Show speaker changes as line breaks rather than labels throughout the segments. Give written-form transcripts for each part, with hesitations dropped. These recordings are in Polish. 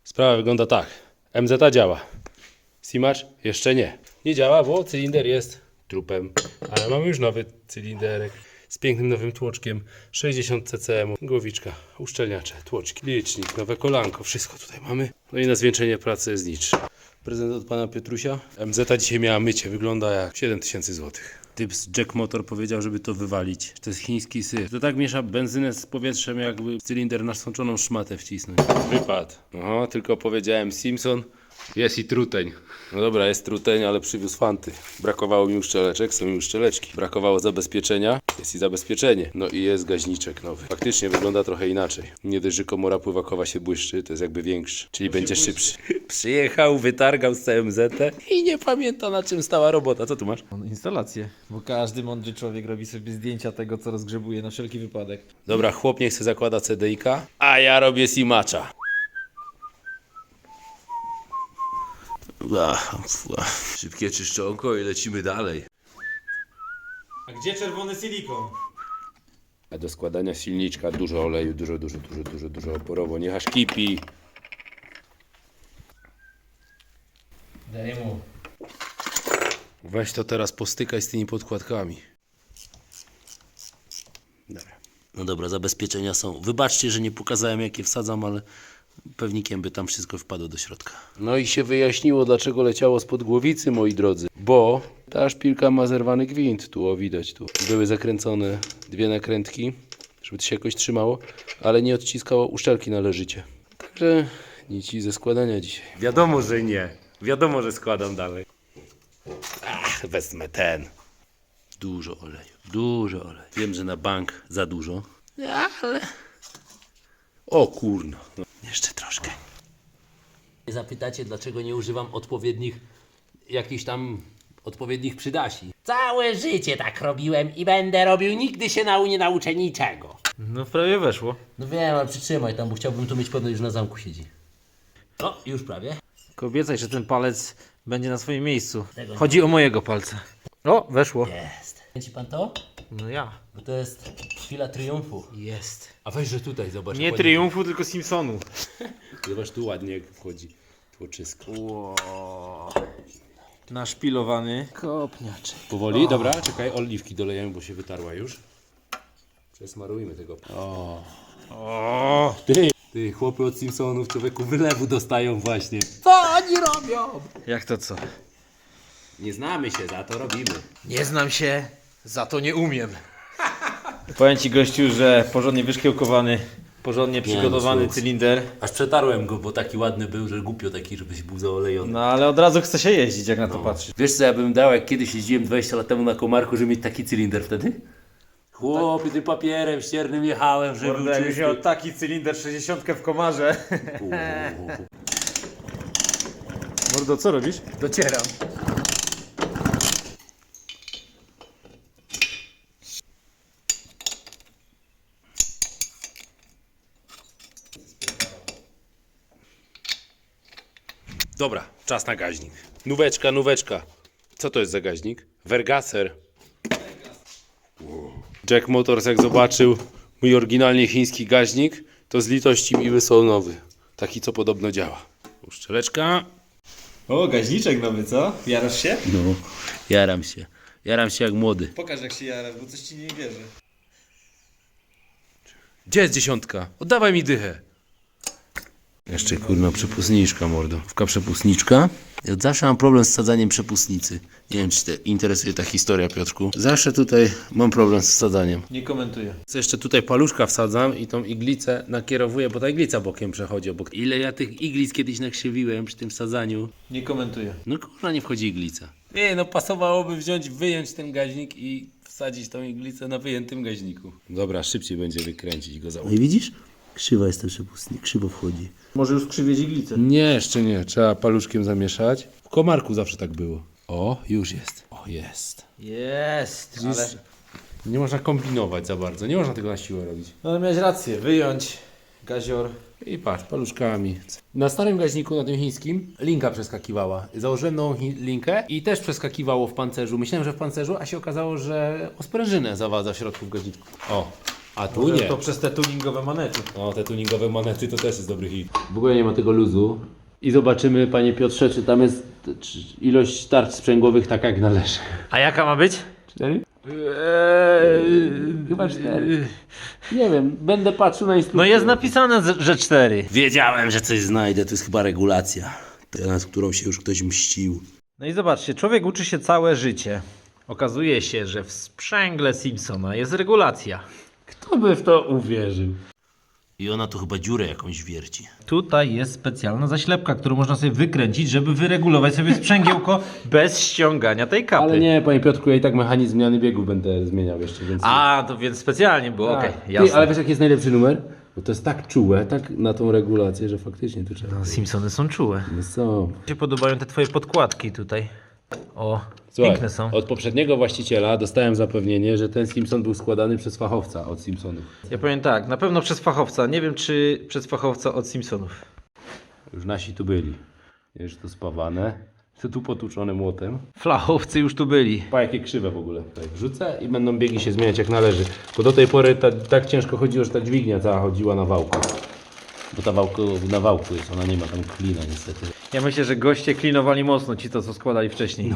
Sprawa wygląda tak. MZ działa. Simacz jeszcze nie. Nie działa, bo cylinder jest trupem. Ale mamy już nowy cylinderek z pięknym nowym tłoczkiem. 60 ccm, głowiczka, uszczelniacze, tłoczki, licznik, nowe kolanko. Wszystko tutaj mamy. No i na zwieńczenie pracy jest nic. Prezent od pana Piotrusia. MZ dzisiaj miała mycie. Wygląda jak 7000 zł. Typ z Jack Motor powiedział, żeby to wywalić. To jest chiński syf. To tak miesza benzynę z powietrzem, jakby w cylinder nasączoną szmatę wcisnąć. Wypadł. Aha, tylko powiedziałem Simpson. Jest i truteń. No dobra, jest truteń, ale przywiózł fanty. Brakowało mi uszczeleczek, są mi uszczeleczki. Brakowało zabezpieczenia, jest i zabezpieczenie. No i jest gaźniczek nowy. Faktycznie wygląda trochę inaczej. Nie dość, że komora pływakowa się błyszczy, to jest jakby większy, czyli będzie szybszy. Przyjechał, wytargał z CMZ i nie pamięta, na czym stała robota. Co tu masz?
Instalację, bo każdy mądry człowiek robi sobie zdjęcia tego, co rozgrzebuje na wszelki wypadek.
Dobra, chłop niech se zakłada CDI-ka, a ja robię Simacza. Szybkie czyszczonko i lecimy dalej.
A gdzie czerwony silikon?
A do składania silniczka dużo oleju, dużo oporowo. Niech aż kipi.
Daj mu.
Weź to teraz postykaj z tymi podkładkami. Dobra. No dobra, zabezpieczenia są. Wybaczcie, że nie pokazałem jakie wsadzam, ale pewnikiem by tam wszystko wpadło do środka. No i się wyjaśniło, dlaczego leciało spod głowicy, moi drodzy. Bo ta szpilka ma zerwany gwint. Tu, o widać, tu. Były zakręcone dwie nakrętki, żeby to się jakoś trzymało, ale nie odciskało uszczelki należycie. Także nic ze składania dzisiaj. Wiadomo, że nie. Wiadomo, że składam dalej. Wezmę ten. Dużo oleju. Wiem, że na bank za dużo, ale... O kurno. No. Jeszcze troszkę. Zapytacie, dlaczego nie używam odpowiednich przydasi. Całe życie tak robiłem i będę robił. Nigdy się nie nauczę niczego.
No prawie weszło.
No wiem, ale przytrzymaj tam, bo chciałbym tu mieć pewność, że na zamku siedzi. O, już prawie.
Tylko obiecaj, że ten palec będzie na swoim miejscu. Chodzi o mojego palca. O, weszło.
Jest. Widzi pan to?
No ja.
Bo to jest chwila triumfu.
Jest.
A weź, że tutaj, zobacz.
Nie triumfu, tylko Simpsonu.
Zobacz, tu ładnie jak wchodzi tłoczysko.
Wow. Naszpilowany kopniaczek.
Powoli, dobra, czekaj, oliwki dolejemy, bo się wytarła już. Przesmarujmy tego.
O.
Ty, chłopy od Simpsonów, człowieku, wylewu dostają właśnie. Co oni robią?
Jak to co?
Nie znamy się, za to robimy.
Nie znam się, za to nie umiem. Powiem ci, gościu, że porządnie wyszkiełkowany, porządnie przygotowany
słuchaj.
cylinder.
Aż przetarłem go, bo taki ładny był, że głupio taki, żebyś był zaolejony.
No ale od razu chce się jeździć, jak na to patrzysz.
Wiesz co ja bym dał, jak kiedyś jeździłem 20 lat temu na Komarku, żeby mieć taki cylinder wtedy? Chłopie, tym papierem ściernym jechałem, żeby był
Jakbyś
czysty.
miał taki cylinder 60 w komarze. Mordo, co robisz?
Docieram. Dobra, czas na gaźnik. Nóweczka. Co to jest za gaźnik? Vergaser. Jack Motors jak zobaczył mój oryginalnie chiński gaźnik, to z litości mi wysłał nowy. Taki, co podobno działa. Uszczeleczka.
O, gaźniczek nowy, co? Jarasz się?
No, jaram się. Jaram się jak młody.
Pokaż, jak się jarasz, bo coś ci nie wierzy.
Gdzie jest 10? Oddawaj mi dychę. Jeszcze kurna przepustniczka, mordo. Przepustniczka. Ja od zawsze mam problem z sadzaniem przepustnicy. Nie wiem, czy Cię interesuje ta historia, Piotrku. Zawsze tutaj mam problem z sadzaniem.
Nie komentuję.
Co jeszcze tutaj paluszka wsadzam i tą iglicę nakierowuję, bo ta iglica bokiem przechodzi obok. Ile ja tych iglic kiedyś nakrzywiłem przy tym sadzaniu.
Nie komentuję.
No kurna, nie wchodzi iglica. Nie, no pasowałoby wyjąć ten gaźnik i wsadzić tą iglicę na wyjętym gaźniku. Dobra, szybciej będzie wykręcić go za. No i widzisz? Krzywa jest ten przepustnik, krzywo wchodzi.
Może już skrzywieć iglicę.
Nie, jeszcze nie. Trzeba paluszkiem zamieszać. W Komarku zawsze tak było. O, już jest. O, jest.
Jest, ale...
Nie można kombinować za bardzo. Nie można tego na siłę robić.
No ale miałeś rację, wyjąć gazior.
I patrz, paluszkami. Na starym gaźniku, na tym chińskim, linka przeskakiwała. Założyłem nową linkę i też przeskakiwało w pancerzu. Myślałem, że w pancerzu, a się okazało, że o sprężynę zawadza w środku w gaźniku. O, A tu
Może
nie.
to przez te tuningowe manety.
O, te tuningowe manety to też jest dobry hit. W ogóle nie ma tego luzu. I zobaczymy, panie Piotrze, czy tam jest ilość tarcz sprzęgłowych taka jak należy.
A jaka ma być?
4? Chyba 4. Nie wiem, będę patrzył na instrukcję.
No jest napisane, że 4.
Wiedziałem, że coś znajdę, to jest chyba regulacja, nad którą się już ktoś mścił.
No i zobaczcie, człowiek uczy się całe życie. Okazuje się, że w sprzęgle Simpsona jest regulacja.
Kto by w to uwierzył?
I ona tu chyba dziurę jakąś wierci.
Tutaj jest specjalna zaślepka, którą można sobie wykręcić, żeby wyregulować sobie sprzęgiełko bez ściągania tej kapy.
Ale nie, panie Piotrku, ja i tak mechanizm zmiany biegów będę zmieniał jeszcze, więc...
A, to więc specjalnie było,
Tak.
okej,
Ty,
jasne.
ale wiesz jaki jest najlepszy numer? Bo to jest tak czułe, tak na tą regulację, że faktycznie tu trzeba...
No, Simpsony są czułe.
No są.
Mi się podobają te twoje podkładki tutaj. O,
Słuchaj,
piękne są.
od poprzedniego właściciela dostałem zapewnienie, że ten Simpson był składany przez fachowca od Simpsonów.
Ja powiem tak, na pewno przez fachowca. Nie wiem, czy przez fachowca od Simpsonów.
Już nasi tu byli. Już to spawane. To tu potłuczone młotem.
Flachowcy już tu byli.
Pa jakie krzywe w ogóle. Tutaj wrzucę i będą biegi się zmieniać jak należy. Bo do tej pory tak ciężko chodziło, że ta dźwignia cała chodziła na wałku. Bo ta na wałku jest, ona nie ma tam klina niestety.
Ja myślę, że goście klinowali mocno ci to, co składali wcześniej.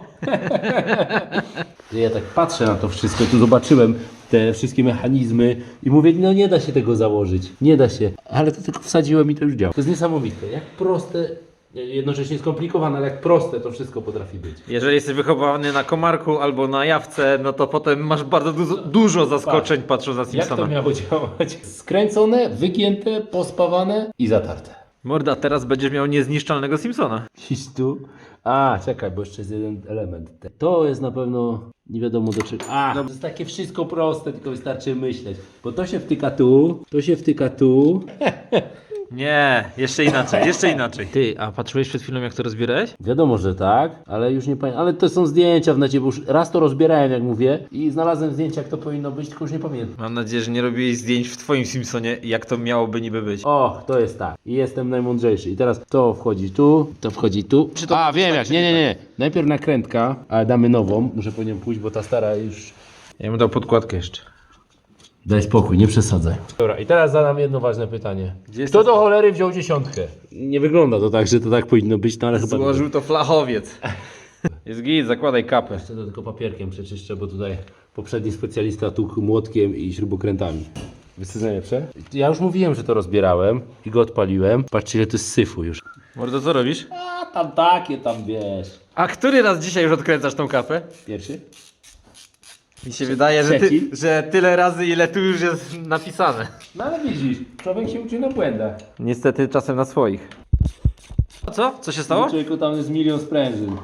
Ja tak patrzę na to wszystko, tu zobaczyłem te wszystkie mechanizmy i mówię, no nie da się tego założyć, nie da się. Ale to tylko wsadziłem i to już działa. To jest niesamowite, jak proste, jednocześnie skomplikowane, ale jak proste to wszystko potrafi być.
Jeżeli jesteś wychowany na komarku albo na jawce, no to potem masz bardzo dużo zaskoczeń patrząc na
Jak
Simpsona.
to miało działać? Skręcone, wygięte, pospawane i zatarte.
Morda, teraz będziesz miał niezniszczalnego Simpsona.
Iść tu. A, czekaj, bo jeszcze jest jeden element. To jest na pewno nie wiadomo do czego. To jest takie wszystko proste, tylko wystarczy myśleć. Bo to się wtyka tu, to się wtyka tu.
Nie, jeszcze inaczej, jeszcze inaczej. Ty, a patrzyłeś przed chwilą, jak to rozbierałeś?
Wiadomo, że tak, ale już nie pamiętam. Ale to są zdjęcia w necie, bo już raz to rozbierałem, jak mówię, i znalazłem zdjęcia, jak to powinno być, tylko już nie pamiętam.
Mam nadzieję, że nie robiłeś zdjęć w twoim Simpsonie, jak to miałoby niby być.
O, to jest tak. I jestem najmądrzejszy. I teraz to wchodzi tu, to wchodzi tu. A, wiem jak. Nie. Najpierw nakrętka, ale damy nową. Muszę po nią pójść, bo ta stara już...
Ja bym dał podkładkę jeszcze.
Daj spokój, nie przesadzaj. Dobra, i teraz zadam jedno ważne pytanie.
jest
Kto do cholery wziął 10? Nie wygląda to tak, że to tak powinno być, no ale chyba...
Złożył to flachowiec. Jest git, zakładaj kapę.
Jeszcze to tylko papierkiem przeczyszczę, bo tutaj poprzedni specjalista tukł młotkiem i śrubokrętami. Wiesz co jest najlepsze? Ja już mówiłem, że to rozbierałem i go odpaliłem. Patrzcie, ile to jest syfu już.
Mordo, co robisz?
A tam takie, tam wiesz.
A który raz dzisiaj już odkręcasz tą kapę?
Pierwszy?
Mi się wydaje,
Trzeci?
że tyle razy, ile tu już jest napisane.
No ale widzisz, człowiek się uczy na błędach.
Niestety czasem na swoich. A co? Co się stało?
Człowieku, tam jest 1 000 000 sprężyn.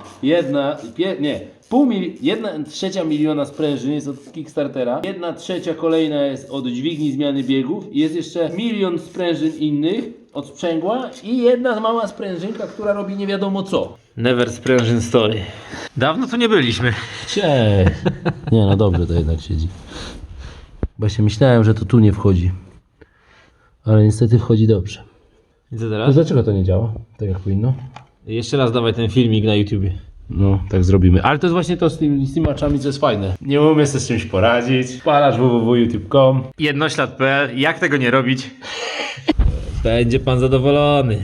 Jedna trzecia miliona sprężyn jest od Kickstartera. 1/3 kolejna jest od dźwigni zmiany biegów. I jest jeszcze 1 000 000 sprężyn innych od sprzęgła. I jedna mała sprężynka, która robi nie wiadomo co.
Never sprężyn story. Dawno tu nie byliśmy.
Cześć. Nie, no dobrze to jednak siedzi. Właśnie myślałem, że to tu nie wchodzi. Ale niestety wchodzi dobrze.
I co
To
teraz?
dlaczego to nie działa? Tak jak powinno?
Jeszcze raz dawaj ten filmik na YouTubie.
No, tak zrobimy. Ale to jest właśnie to z tymi maczami, co jest fajne. Nie umiem sobie z czymś poradzić. Palasz www.youtube.com.
Jednoślad.pl. Jak tego nie robić? Będzie pan zadowolony.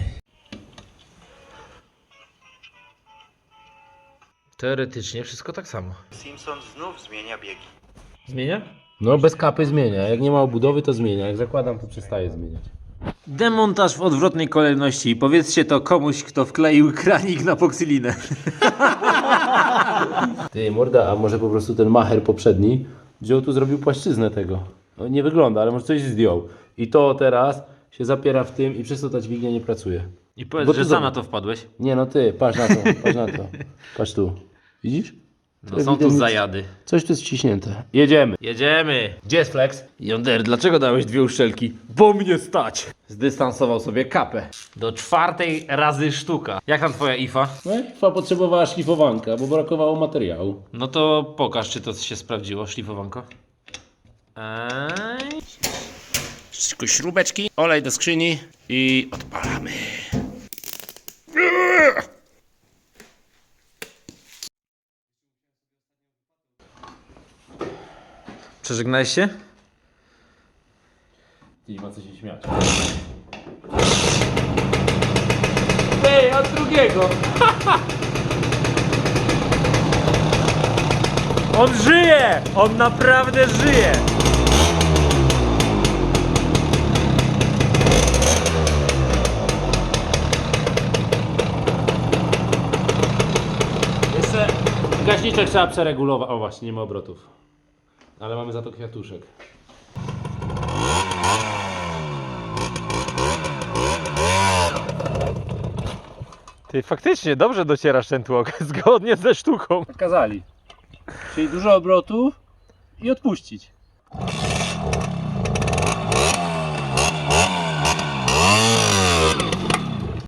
Teoretycznie wszystko tak samo.
Simpson znów zmienia biegi.
Zmienia?
No, bez kapy zmienia. Jak nie ma obudowy, to zmienia. Jak zakładam, to przestaje zmieniać.
Demontaż w odwrotnej kolejności. Powiedzcie to komuś, kto wkleił kranik na poksylinę.
Ty, morda, a może po prostu ten macher poprzedni wziął tu, zrobił płaszczyznę tego. No, nie wygląda, ale może coś zdjął. I to teraz się zapiera w tym i przez to ta dźwignia nie pracuje.
I powiedz,
Bo
że
ty
sam
zobacz.
na to wpadłeś.
Nie, no ty, patrz na to, patrz na to. Patrz tu. Widzisz?
No są tu zajady.
Coś tu jest wciśnięte. Jedziemy.
Jedziemy.
Gdzie jest flex?
Jonder, dlaczego dałeś 2 uszczelki? Bo mnie stać. Zdystansował sobie kapę. Do 4 razy sztuka. Jak tam twoja IFA?
No, IFA potrzebowała szlifowanka, bo brakowało materiału.
No to pokaż, czy to się sprawdziło, szlifowanko.
Tylko śrubeczki, olej do skrzyni i odpalamy.
Przeżegnałeś się? śmiać.
Ej, od drugiego!
On żyje! On naprawdę żyje!
Jeszcze gaśniczek trzeba przeregulować. O właśnie, nie ma obrotów. Ale mamy za to kwiatuszek.
Ty faktycznie dobrze docierasz ten tłok, zgodnie ze sztuką.
Kazali. Czyli dużo obrotów i odpuścić.